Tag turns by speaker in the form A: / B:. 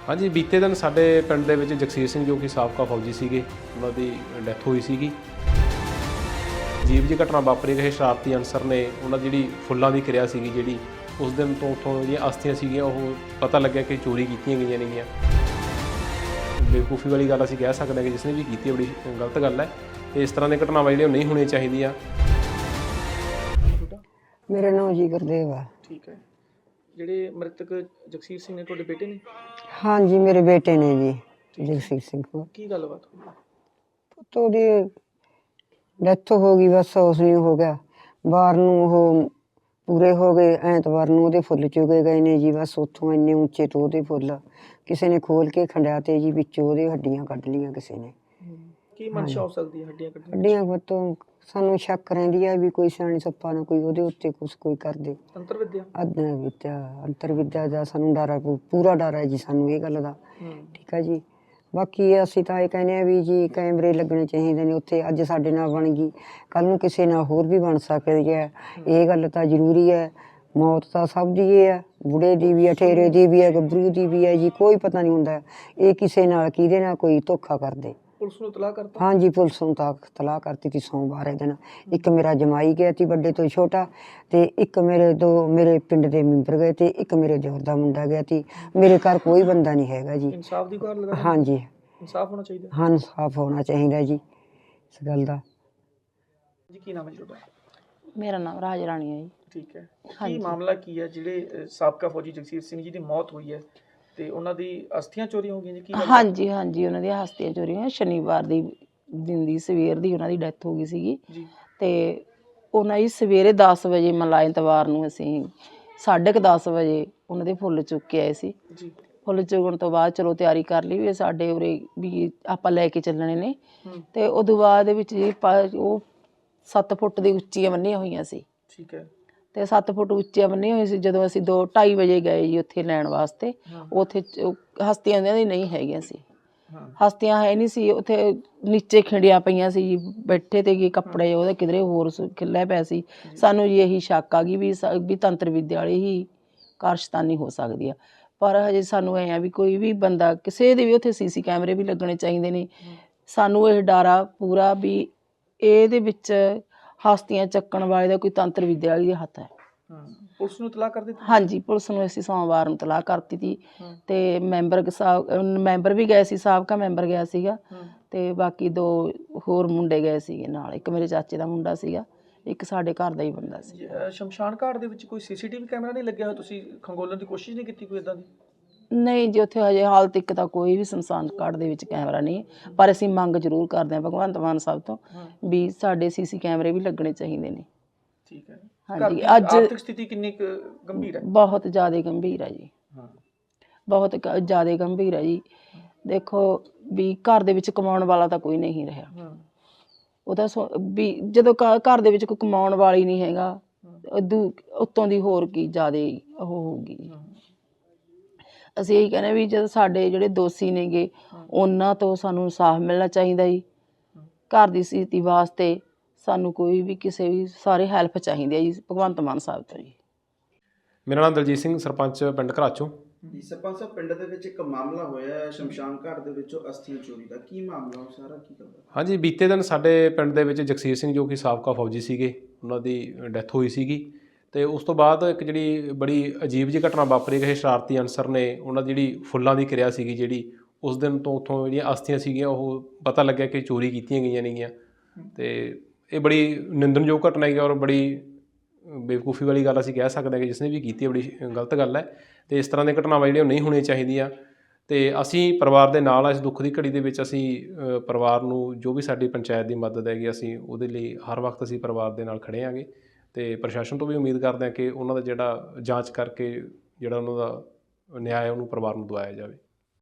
A: हाँ जी, बीते दिन साडे पिंड दे विच जगसीर सिंह जो कि साबका फौजी सीगे, उन्हां दी डैथ होई सीगी। अजीब जी घटना वापरी रही, शरारती अनसर ने उन्हां दी जिहड़ी फुੱਲਾਂ ਦੀ ਕਿਰਿਆ ਸੀਗੀ ਜਿਹੜੀ उस दिन तो उत्थों ਜਿਹੜੀਆਂ ਅਸਥੀਆਂ ਸੀਗੀਆਂ ਉਹ ਪਤਾ ਲੱਗਿਆ ਕਿ ਚੋਰੀ ਕੀਤੀਆਂ ਗਈਆਂ ਨੇਗੀਆਂ। ਬੇਵਕੂਫੀ ਵਾਲੀ ਗੱਲ ਅਸੀਂ ਕਹਿ ਸਕਦੇ ਹਾਂ ਕਿ ਜਿਸ ਨੇ ਵੀ ਕੀਤੀ ਹੈ ਬੜੀ ਗਲਤ ਗੱਲ ਹੈ ਤੇ ਇਸ ਤਰ੍ਹਾਂ ਦੀਆਂ ਘਟਨਾਵਾਂ ਜਿਹੜੀਆਂ ਨਹੀਂ ਹੋਣੀਆਂ ਚਾਹੀਦੀਆਂ।
B: मेरा नाम जी गुरदेव है।
C: ठीक है। ਜਿਹੜੇ ਮ੍ਰਿਤਕ ਜਗਸੀਰ ਸਿੰਘ ਨੇ ਤੁਹਾਡੇ ਬੇਟੇ ਨੇ?
B: हाँ जी मेरे बेटे ने जी जगसीर सिंह को।
C: ਕੀ ਗੱਲਬਾਤ ਹੋਈ?
B: तो ਉਹਦੀ ਡੈਥ ਹੋ ਗਈ, ਬਸ ਉਸ ਨੂੰ ਹੋ ਗਿਆ। ਬਾਹਰ ਨੂੰ ਉਹ ਪੂਰੇ ਹੋ ਗਏ, ਐਤਵਾਰ ਨੂੰ ਉਹਦੇ ਫੁੱਲ ਚੁਗੇ ਗਏ ਨੇ ਜੀ। ਬਸ ਉੱਥੋਂ ਇੰਨੇ ਉੱਚੇ ਤੋਂ ਉਹਦੇ ਫੁੱਲ ਕਿਸੇ ਨੇ ਖੋਲ ਕੇ ਖੰਡਿਆ ਤੇ ਜੀ ਵਿੱਚੋਂ ਉਹਦੇ ਹੱਡੀਆਂ ਕੱਢ ਲਈਆਂ ਕਿਸੇ ਨੇ।
C: ਕੀ ਮਨਸ਼ਾ ਹੋ ਸਕਦੀ ਹੈ ਹੱਡੀਆਂ ਕੱਢਣ ਦੀ?
B: ਹੱਡੀਆਂ ਤੋਂ ਸਾਨੂੰ ਸ਼ੱਕ ਰਹਿੰਦੀ ਹੈ ਵੀ ਕੋਈ ਸਿਆਣੀ ਸੱਪਾ ਨਾ ਕੋਈ ਉਹਦੇ ਉੱਤੇ ਕੁਛ ਕੋਈ ਕਰਦੇ।
C: ਅੰਤਰ ਵਿਦਿਆ
B: ਅੰਤਰ ਵਿਦਿਆ ਦਾ ਸਾਨੂੰ ਡਰ ਹੈ, ਪੂਰਾ ਡਰ ਹੈ ਜੀ ਸਾਨੂੰ ਇਹ ਗੱਲ ਦਾ। ਠੀਕ ਹੈ ਜੀ। ਬਾਕੀ ਅਸੀਂ ਤਾਂ ਇਹ ਕਹਿੰਦੇ ਆ ਵੀ ਜੀ ਕੈਮਰੇ ਲੱਗਣੇ ਚਾਹੀਦੇ ਨੇ ਉੱਥੇ। ਅੱਜ ਸਾਡੇ ਨਾਲ ਬਣ ਗਈ, ਕੱਲ੍ਹ ਨੂੰ ਕਿਸੇ ਨਾਲ ਹੋਰ ਵੀ ਬਣ ਸਕਦੀ ਹੈ। ਇਹ ਗੱਲ ਤਾਂ ਜ਼ਰੂਰੀ ਹੈ। ਮੌਤ ਤਾਂ ਸਭ ਦੀ ਇਹ ਹੈ, ਬੁੜੇ ਦੀ ਵੀ ਹੈ, ਠੇਰੇ ਦੀ ਵੀ ਹੈ, ਗੱਭਰੂ ਦੀ ਵੀ ਹੈ ਜੀ। ਕੋਈ ਪਤਾ ਨਹੀਂ ਹੁੰਦਾ ਇਹ ਕਿਸੇ ਨਾਲ ਕਿਹਦੇ ਨਾਲ ਕੋਈ ਧੋਖਾ ਕਰਦੇ।
C: ਪੁਲਿਸ ਨੂੰ ਇਤਲਾਹ ਕਰਤਾ?
B: हाँ जी पुलिस ਨੂੰ ਤਾਂ ਤਲਾਹ ਕਰਤੀ ਸੀ ਸੋਮਵਾਰ ਇਹ ਦਿਨ। ਇੱਕ ਮੇਰਾ ਜਮਾਈ ਗਿਆ ਸੀ ਵੱਡੇ ਤੋਂ ਛੋਟਾ, ਤੇ ਇੱਕ ਮੇਰੇ ਪਿੰਡ ਦੇ ਮੈਂਬਰ ਗਏ ਤੇ ਇੱਕ ਮੇਰੇ ਦਿਓਰ ਦਾ ਮੁੰਡਾ ਗਿਆ ਸੀ। ਮੇਰੇ ਘਰ ਕੋਈ ਬੰਦਾ ਨਹੀਂ ਹੈਗਾ ਜੀ।
C: ਇਨਸਾਫ ਦੀ ਗੁਹਾਰ ਲਗਾ?
B: हाँ जी
C: ਇਨਸਾਫ ਹੋਣਾ ਚਾਹੀਦਾ।
B: ਹਾਂ ਇਨਸਾਫ ਹੋਣਾ ਚਾਹੀਦਾ ਜੀ ਇਸ ਗੱਲ ਦਾ।
C: ਜੀ ਕੀ ਨਾਮ ਹੈ ਜੀ ਤੁਹਾਡਾ?
D: ਮੇਰਾ ਨਾਮ ਰਾਜ ਰਾਣੀ ਹੈ ਜੀ।
C: ਠੀਕ ਹੈ। ਕੀ ਮਾਮਲਾ ਕੀ ਹੈ ਜਿਹੜੇ ਸਾਬਕਾ ਫੌਜੀ ਜਗਸੀਰ ਸਿੰਘ ਜੀ ਦੀ ਮੌਤ ਹੋਈ ਹੈ ਤੇ ਉਹਨਾਂ ਦੀ ਅਸਥੀਆਂ ਚੋਰੀ ਹੋ ਗਈਆਂ ਜੀ? ਕੀ
D: ਹਾਂਜੀ ਹਾਂਜੀ, ਉਹਨਾਂ ਦੀਆਂ ਹਸਤੀਆਂ ਚੋਰੀ ਹੋਈਆਂ। ਸ਼ਨੀਵਾਰ ਦੀ ਦਿਨ ਦੀ ਸਵੇਰ ਦੀ ਉਹਨਾਂ ਦੀ ਡੈਥ ਹੋ ਗਈ ਸੀਗੀ
C: ਜੀ।
D: ਤੇ ਉਹਨਾਂ ਦੀ ਸਵੇਰੇ 10 ਵਜੇ ਮਤਲਬ ਐਤਵਾਰ ਨੂੰ ਅਸੀਂ 10:30 ਵਜੇ ਉਹਨਾਂ ਦੇ ਫੁੱਲ ਚੁੱਕ ਕੇ ਆਏ ਸੀ
C: ਜੀ।
D: ਫੁੱਲ ਚੁਗਣ ਤੋਂ ਬਾਅਦ ਚਲੋ ਤਿਆਰੀ ਕਰ ਲਈ ਵੀ ਸਾਡੇ ਉਰੇ ਵੀ ਆਪਾਂ ਲੈ ਕੇ ਚੱਲਣੇ ਨੇ। ਤੇ ਉਦੋਂ ਬਾਅਦ ਵਿੱਚ ਜੀ ਉਹ 7 ਫੁੱਟ ਦੀ ਉੱਚੀਆਂ ਬੰਨੀਆਂ ਹੋਈਆਂ ਸੀ।
C: ਠੀਕ ਹੈ।
D: ਤੇ 7 ਫੁੱਟ ਉੱਚੀਆਂ ਬੰਨੀਆਂ ਹੋਈਆਂ ਸੀ। ਜਦੋਂ ਅਸੀਂ 2-2:30 ਵਜੇ ਗਏ ਜੀ ਉੱਥੇ ਲੈਣ ਵਾਸਤੇ, ਉੱਥੇ ਹਸਤੀਆਂ ਉਹਨਾਂ ਦੀ ਨਹੀਂ ਹੈਗੀਆਂ ਸੀ। ਹਸਤੀਆਂ ਹੈ ਨਹੀਂ ਸੀ ਉੱਥੇ, ਨੀਚੇ ਖਿੰਡੀਆਂ ਪਈਆਂ ਸੀ ਜੀ, ਬੈਠੇ ਤੇ ਕੱਪੜੇ ਉਹਦੇ ਕਿਧਰੇ ਹੋਰ ਖਿੱਲਿਆ ਪਿਆ ਸੀ। ਸਾਨੂੰ ਜੀ ਇਹੀ ਸ਼ੱਕ ਆ ਗਈ ਵੀ ਤੰਤਰ ਵਿਦਿਆ ਵਾਲੀ ਹੀ ਕਾਰਸਤਾਨੀ ਹੋ ਸਕਦੀ ਆ। ਪਰ ਹਜੇ ਸਾਨੂੰ ਐਂ ਆ ਵੀ ਕੋਈ ਵੀ ਬੰਦਾ ਕਿਸੇ ਦੇ ਵੀ ਉੱਥੇ ਸੀਸੀ ਕੈਮਰੇ ਵੀ ਲੱਗਣੇ ਚਾਹੀਦੇ ਨੇ। ਸਾਨੂੰ ਇਹ ਡਰ ਆ ਪੂਰਾ ਵੀ ਇਹਦੇ ਵਿੱਚ ਹਸਤੀਆਂ ਚੱਕਣ ਵਾਲੇ ਦਾ ਕੋਈ ਤੰਤਰ ਵਿਦਿਆ ਵਾਲੀ ਦੇ ਹੱਥ ਹੈ।
C: ਪੁਲਿਸ ਨੂੰ ਇਤਲਾਹ ਕਰ ਦਿੱਤੀ?
D: ਹਾਂਜੀ, ਪੁਲਿਸ ਨੂੰ ਅਸੀਂ ਸੋਮਵਾਰ ਨੂੰ ਇਤਲਾਹ ਕਰ ਦਿੱਤੀ ਤੇ ਮੈਂਬਰ ਵੀ ਗਏ ਸੀ, ਸਾਬਕਾ ਮੈਂਬਰ ਗਿਆ ਸੀਗਾ ਤੇ ਬਾਕੀ 2 ਹੋਰ ਮੁੰਡੇ ਗਏ ਸੀਗੇ ਨਾਲ। ਇੱਕ ਮੇਰੇ ਚਾਚੇ ਦਾ ਮੁੰਡਾ ਸੀਗਾ, ਇੱਕ ਸਾਡੇ ਘਰ ਦਾ ਹੀ ਬੰਦਾ ਸੀ।
C: ਸ਼ਮਸ਼ਾਨ ਘਾਟ ਦੇ ਵਿੱਚ ਕੋਈ ਸੀਸੀਟੀਵੀ ਕੈਮਰਾ ਨਹੀਂ ਲੱਗਿਆ ਹੋਇਆ? ਤੁਸੀਂ ਖੰਗੋਲਣ ਦੀ ਕੋਸ਼ਿਸ਼ ਨਹੀਂ ਕੀਤੀ ਕੋਈ ਇਦਾਂ ਦੀ?
D: ਨਹੀਂ ਜੀ, ਉੱਥੇ ਹਜੇ ਹਾਲ ਤੱਕ ਤਾਂ ਕੋਈ ਵੀ ਸ਼ਮਸ਼ਾਨ ਘਾਟ ਦੇ ਵਿੱਚ ਕੈਮਰਾ ਨਹੀਂ। ਪਰ ਅਸੀਂ ਮੰਗ ਜ਼ਰੂਰ ਕਰਦੇ ਹਾਂ ਭਗਵੰਤ ਮਾਨ ਸਾਹਿਬ ਤੋਂ ਵੀ ਸਾਡੇ ਸੀਸੀ ਕੈਮਰੇ ਵੀ ਲੱਗਣੇ ਚਾਹੀਦੇ ਨੇ।
C: ਠੀਕ ਹੈ।
D: ਹਾਂਜੀ।
C: ਅੱਜ ਆਰਥਿਕ ਸਥਿਤੀ ਕਿੰਨੀ ਗੰਭੀਰ ਹੈ? ਬਹੁਤ
D: ਜ਼ਿਆਦਾ ਗੰਭੀਰ ਹੈ ਜੀ, ਬਹੁਤ ਜ਼ਿਆਦਾ ਗੰਭੀਰ ਹੈ ਜੀ। ਦੇਖੋ ਵੀ ਘਰ ਦੇ ਵਿੱਚ ਕਮਾਉਣ ਵਾਲਾ ਤਾਂ ਕੋਈ ਨਹੀਂ ਰਿਹਾ। ਉਹ ਤਾਂ ਵੀ ਜਦੋਂ ਘਰ ਦੇ ਵਿੱਚ ਕੋਈ ਕਮਾਉਣ ਵਾਲੀ ਨਹੀਂ ਹੈਗਾ, ਉੱਤੋਂ ਦੀ ਹੋਰ ਕੀ ਜ਼ਿਆਦਾ ਉਹ ਹੋਊਗੀ। ਅਸੀਂ ਇਹੀ ਕਹਿੰਦੇ ਵੀ ਜਦੋਂ ਸਾਡੇ ਜਿਹੜੇ ਦੋਸ਼ੀ ਨੇਗੇ ਉਹਨਾਂ ਤੋਂ ਸਾਨੂੰ ਇਨਸਾਫ ਮਿਲਣਾ ਚਾਹੀਦਾ ਜੀ। ਘਰ ਦੀ ਸਥਿਤੀ ਵਾਸਤੇ ਸਾਨੂੰ ਕੋਈ ਵੀ ਕਿਸੇ ਵੀ ਸਾਰੇ ਹੈਲਪ ਚਾਹੀਦੀ ਹੈ ਜੀ ਭਗਵੰਤ ਮਾਨ ਸਾਹਿਬ ਤੋਂ ਜੀ।
A: ਮੇਰਾ ਨਾਮ ਦਲਜੀਤ ਸਿੰਘ, ਸਰਪੰਚ ਪਿੰਡ ਘਰਾਚੋਂ
E: ਜੀ। ਸਰਪੰਚ ਸਾਹਿਬ, ਪਿੰਡ ਦੇ ਵਿੱਚ ਇੱਕ ਮਾਮਲਾ ਹੋਇਆ ਸ਼ਮਸ਼ਾਨ ਘਾਟ ਦੇ ਵਿੱਚੋਂ ਅਸਥੀਆਂ ਚੋਰੀ ਦਾ, ਕੀ ਮਾਮਲਾ ਉਹ ਸਾਰਾ ਕੀ ਕਰਦਾ?
A: ਹਾਂਜੀ, ਬੀਤੇ ਦਿਨ ਸਾਡੇ ਪਿੰਡ ਦੇ ਵਿੱਚ ਜਗਸੀਰ ਸਿੰਘ ਜੋ ਕਿ ਸਾਬਕਾ ਫੌਜੀ ਸੀਗੇ, ਉਹਨਾਂ ਦੀ ਡੈਥ ਹੋਈ ਸੀਗੀ ਤੇ ਉਸ ਤੋਂ ਬਾਅਦ ਇੱਕ ਜਿਹੜੀ ਬੜੀ ਅਜੀਬ ਜਿਹੀ ਘਟਨਾ ਵਾਪਰੀ ਰਹੀ, ਸ਼ਰਾਰਤੀ ਅਨਸਰ ਨੇ ਉਹਨਾਂ ਦੀ ਜਿਹੜੀ ਫੁੱਲਾਂ ਦੀ ਕਿਰਿਆ ਸੀਗੀ ਜਿਹੜੀ ਉਸ ਦਿਨ ਤੋਂ ਉੱਥੋਂ ਜਿਹੜੀਆਂ ਅਸਥੀਆਂ ਸੀਗੀਆਂ ਉਹ ਪਤਾ ਲੱਗਿਆ ਕਿ ਚੋਰੀ ਕੀਤੀਆਂ ਗਈਆਂ ਨੇਗੀਆਂ। ਤੇ ਇਹ ਬੜੀ ਨਿੰਦਣਯੋਗ ਘਟਨਾ ਹੈਗੀ ਔਰ ਬੜੀ ਬੇਵਕੂਫੀ ਵਾਲੀ ਗੱਲ ਅਸੀਂ ਕਹਿ ਸਕਦੇ ਹਾਂ ਕਿ ਜਿਸ ਨੇ ਵੀ ਕੀਤੀ ਹੈ ਬੜੀ ਗਲਤ ਗੱਲ ਹੈ ਤੇ ਇਸ ਤਰ੍ਹਾਂ ਦੀਆਂ ਘਟਨਾਵਾਂ ਜਿਹੜੀਆਂ ਨਹੀਂ ਹੋਣੀਆਂ ਚਾਹੀਦੀਆਂ। ਤੇ ਅਸੀਂ ਪਰਿਵਾਰ ਦੇ ਨਾਲ ਇਸ ਦੁੱਖ ਦੀ ਘੜੀ ਦੇ ਵਿੱਚ ਅਸੀਂ ਪਰਿਵਾਰ ਨੂੰ ਜੋ ਵੀ ਸਾਡੀ ਪੰਚਾਇਤ ਦੀ ਮਦਦ ਹੈਗੀ ਅਸੀਂ ਉਹਦੇ ਲਈ ਹਰ ਵਕਤ ਅਸੀਂ ਪਰਿਵਾਰ ਦੇ ਨਾਲ ਖੜ੍ਹੇ ਹਾਂਗੇ ਤੇ ਪ੍ਰਸ਼ਾਸਨ ਤੋਂ ਵੀ ਉਮੀਦ ਕਰਦੇ ਹਾਂ ਕਿ ਉਹਨਾਂ ਦਾ ਜਿਹੜਾ ਜਾਂਚ ਕਰਕੇ ਜਿਹੜਾ ਉਹਨਾਂ ਦਾ ਨਿਆਂ ਹੈ ਉਹਨੂੰ ਪਰਿਵਾਰ ਨੂੰ ਦਿਵਾਇਆ ਜਾਵੇ।